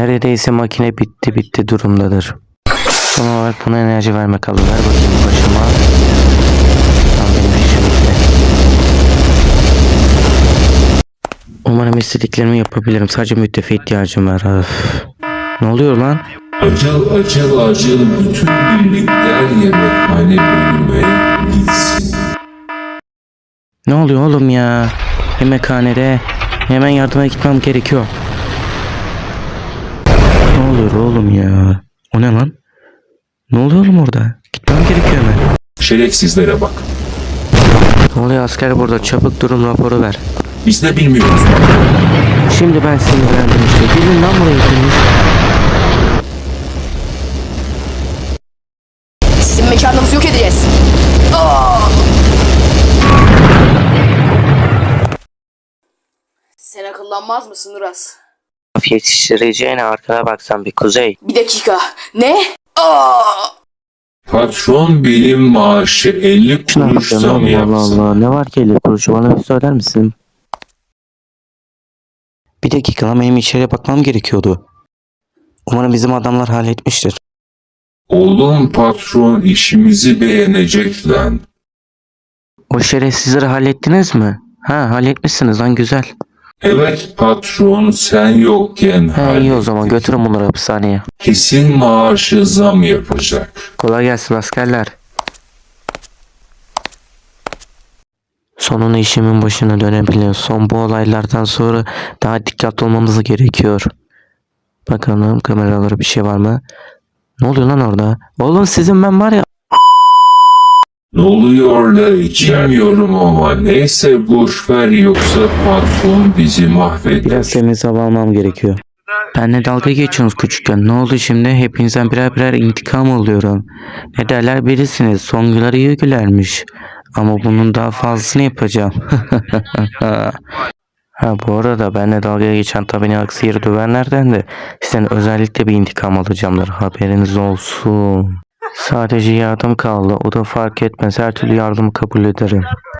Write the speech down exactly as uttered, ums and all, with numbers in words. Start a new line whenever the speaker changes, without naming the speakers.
Neredeyse makine bitti bitti durumdadır. Son olarak buna enerji verme kaldı. Ver bakayım başıma. Tamam, benim işim bitti. Umarım istediklerimi yapabilirim. Sadece müttefik ihtiyacım var. Öf. Ne oluyor lan?
Acıl acıl acıl bütün birlikler yemekhane bölüme gitsin.
Ne oluyor oğlum ya? Yemekhanede hemen yardıma gitmem gerekiyor. Ne oluyor oğlum ya? O ne lan? Ne oluyor oğlum orada? Gitmem gerekiyor hemen.
Şerefsizlere bak.
Ne oluyor asker burada? Çabuk durum raporu ver.
Biz de bilmiyoruz.
Şimdi ben sinirlendim işte. Gelin lan buraya hepiniz.
Sizin mekanınızı yok edeceğiz. Aa! Sen akıllanmaz mısın Uras?
Yetiştireceğine arkana baksan bir Kuzey.
Bir dakika. Ne? Aa!
Patron benim maaşı elli
Şuna bak
kuruş
ya,
zam
Allah Allah
yapsın.
Allah. Ne var ki elli kuruşu, bana bir söyler misin? Bir dakika lan, benim içeriye bakmam gerekiyordu. Umarım bizim adamlar halletmiştir.
Oğlum patron işimizi beğenecek lan.
O şerefsizleri hallettiniz mi? Ha, halletmişsiniz lan, güzel.
Evet patron sen yokken
He, iyi o zaman
hallettik.
götürün bunları hapishaneye.
Kesin maaşı zam yapacak.
Kolay gelsin askerler. Sonunda işimin başına dönebiliyor. Son bu olaylardan sonra daha dikkatli olmamız gerekiyor. Bakalım kameralara bir şey var mı? Ne oluyor lan orada? Oğlum sizin ben var ya.
Ne oluyor la içemiyorum ama neyse boşver yoksa patron bizi mahveder.
Biraz temiz hava almam gerekiyor. Benle dalga geçiyorsunuz küçükken. Ne oldu şimdi? Hepinizden birer birer intikam alıyorum. Ne derler birisiniz. Songuları iyi gülermiş. Ama bunun daha fazlasını yapacağım. Ha, bu arada benle dalga geçen tabi aksi yeri dövenlerden de sizden özellikle bir intikam alacağımdır. Haberiniz olsun. Sadece yardım kaldı. O da fark etmez. Her türlü yardımı kabul ederim.